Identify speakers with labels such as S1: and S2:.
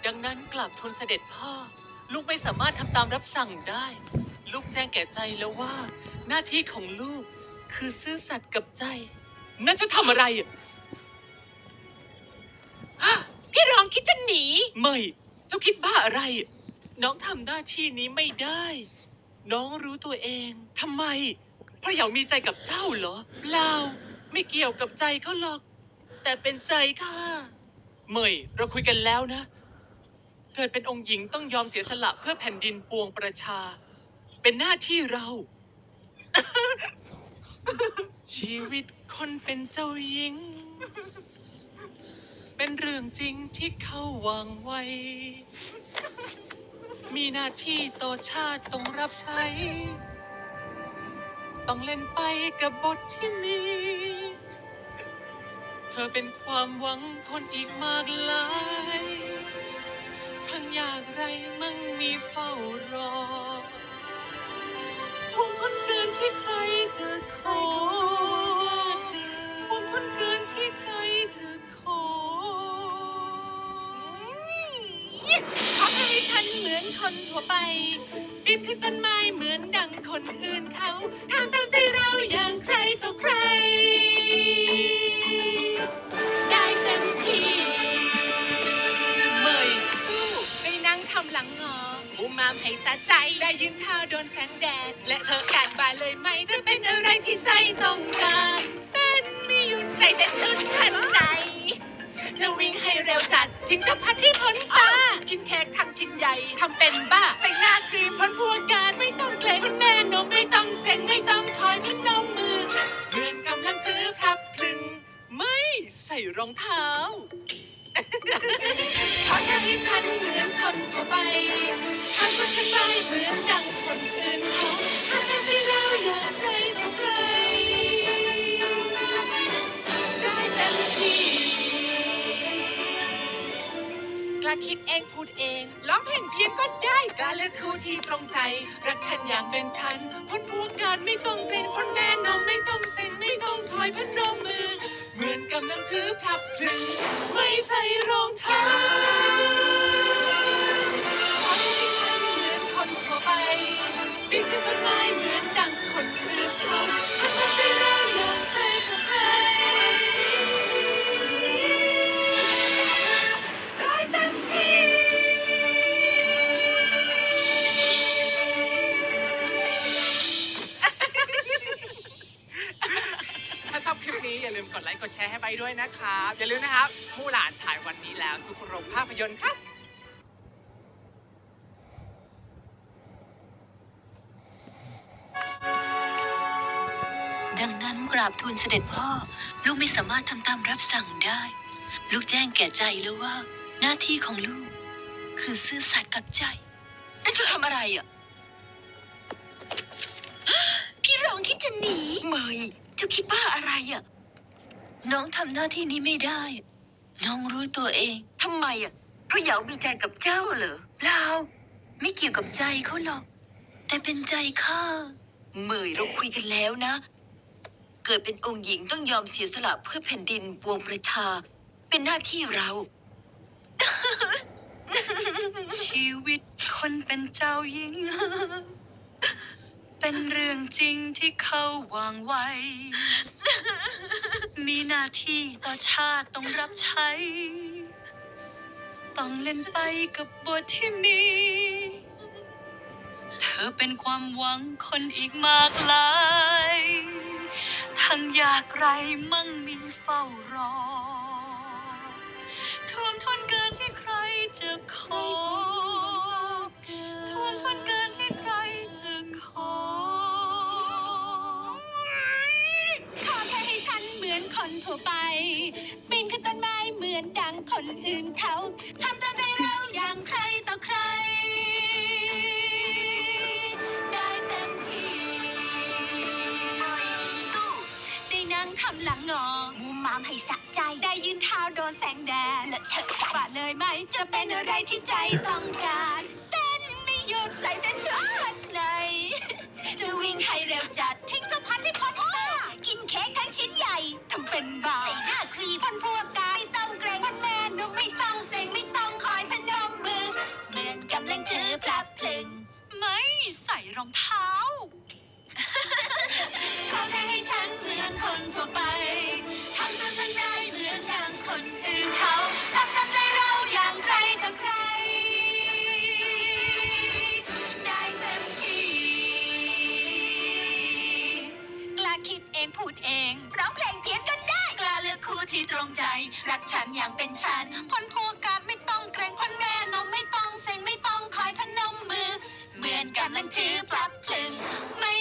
S1: ดังนั้นกราบทูลเสด็จพ่อลูกไม่สามารถทำตามรับสั่งได้ ลูกแจ้งแก่ใจแล้วว่าหน้าที่ของลูกคือซื่อสัตย์กับใจนั่นจะทำอะไรพี่รองคิดจะหนีไม่เจ้าคิดบ้าอะไรน้องทำหน้าที่นี้ไม่ได้น้องรู้ตัวเองทำไมเพราะอยากมีใจกับเจ้าเหรอเปล่าไม่เกี่ยวกับใจเขาหรอกแต่เป็นใจค่ะเมยเราคุยกันแล้วนะเกิดเป็นองค์หญิงต้องยอมเสียสละเพื่อแผ่นดินปวงประชาเป็นหน้าที่เรา ชีวิตคนเป็นเจ้าหญิงเป็นเรื่องจริงที่เขาวางไว้มีหน้าที่ต่อชาติต้องรับใช้ต้องเล่นไปกับบทที่มีเธอเป็นความหวังคนอีกมากหลายทั้งอยากไรมั่งมีเฝ้ารอทุ่มทุนเกินที่ใครจะขอทุ่มทุนเกินที่ใครจะขอขอให้ฉันเหมือนคนทั่วไปรีบขึ้นต้นไม้เหมือนดังคนอื่นเขาทำตามใจเราอย่างใครต่อใครได้เต็มที่เมยสู้ไปนั่งทำหลังงอบูมามให้สะใจได้ยืนเท้าโดนแสงแดดและเธอการบานเลยไหมจะเป็นอะไรที่ใจต้องการเต้นไม่หยุดใส่แต่ชุดชั้นในจะวิ่งให้เร็วจัดถึงจะพัดให้พ้นตากินเค้กทั้งชิ้นใหญ่ทำเป็นบ้าใส่หน้าครีมพ้นพัวการไม่ต้องเกรงคุณแม่นมไม่ต้องเซ็งไม่ต้องคอยพนมมือเหมือนกำลังถือพลับพลึงไม่ใส่รองเท้าขอแค่ให้ฉันเหมือนคนทั่วไปทำตัวฉันไปเหมือนดังคนอื่นเขาทำให้เราอยากใครต่อใครได้เต็มที่กล้าคิดเองพูดเองร้องเพลงเพี้ยนก็ได้กล้าเลือกคู่ที่ตรงใจรักฉันอย่างเป็นฉันพ้นพวกการไม่ต้องเกรงพ้นแม่นมไม่ต้องเซ็งไม่ต้องคอยพนมมือเหมือนกำลังถือพลับพลึงไม่ใส่รองเท้าขอให้ฉันเหมือนคนทั่วไปปีนขึ้นต้นไม้เหมือนดังคนอื่นเขาทำใจเราอย่างใครต่อใครได้เต็มที่ถ้าชอบคลิปนี้อย่าลืมกดไลค์กดแชร์ให้ไปด้วยนะครับอย่าลืมนะครับมู่หลานฉายวันนี้แล้วทุกโรงภาพยนตร์ครับ
S2: ดังนั้นกราบทูลเสด็จพ่อลูกไม่สามารถทำตามรับสั่งได้ลูกแจ้งแก่ใจแล้วว่าหน้าที่ของลูกคือซื่อสัตย์กับใจนั่นจะทำอะไรอ่ะพี่รองคิดจะหนีเมยเจ้าคิดบ้าอะไรอ่ะน้องทำหน้าที่นี้ไม่ได้น้องรู้ตัวเองทำไมอ่ะเพราะอยากมีใจกับเจ้าเหรอเปล่าไม่เกี่ยวกับใจเขาหรอกแต่เป็นใจข้าเมยเราคุยกันแล้วนะเกิดเป็นองค์หญิงต้องยอมเสียสละเพื่อแผ่นดินปวงประชาเป็นหน้าที่เรา ชีวิตคนเป็นเจ้าหญิง เป็นเรื่องจริงที่เขาวางไว้ มีหน้าที่ต่อชาติต้องรับใช้ ต้องเล่นไปกับบทที่มี เธอเป็นความหวังคนอีกมากหลายทั้งอยากไรมั่งมีเฝ้ารอท่วมท้นเกินที่ใครจะขอท่วมท้นเกินที่ใครจะขอขอแค่ให้ฉันเหมือนคนทั่วไปปีนขึ้นต้นไม้เหมือนดังคนอื่นเขาทำตามใจเราอย่างใครต่อใครทำหลังงอมูมามให้สะใจได้ยืนเท้าโดนแสงแดดและเธอกันว่าเลยไหมจะเป็นอะไรที่ใจต้องการเต้นไม่หยุดใส่แต่ชุดชั้นในจะวิ่งให้เร็วจัดทิ้งเจ้าพัดให้พ้นตากินเค้กทั้งชิ้นใหญ่ทำเป็นบ้าใส่หน้าครีมพันพวกกายไม่ต้องเกรงพันแม่นมไม่ต้องเซ็งไม่ต้องคอยพนมรองเท้า ขอแค่ให้ฉันเหมือนคนทั่วไปทำตัวฉันได้เหมือนอย่างคนอื่นเขาทำตามใจเราอย่างใครต่อใครได้เต็มที่กล้าคิดเองพูดเองร้องเพลงเพี้ยนก็ได้กล้าเลือกคู่ที่ตรงใจรักฉันอย่างเป็นฉันพ้นพัวการไม่ต้องเกรงพ้นแม่นมไม่ต้องเซ็งไม่ต้องคอยพนมมือเหมือนกำลังถือปลักพลึงไม่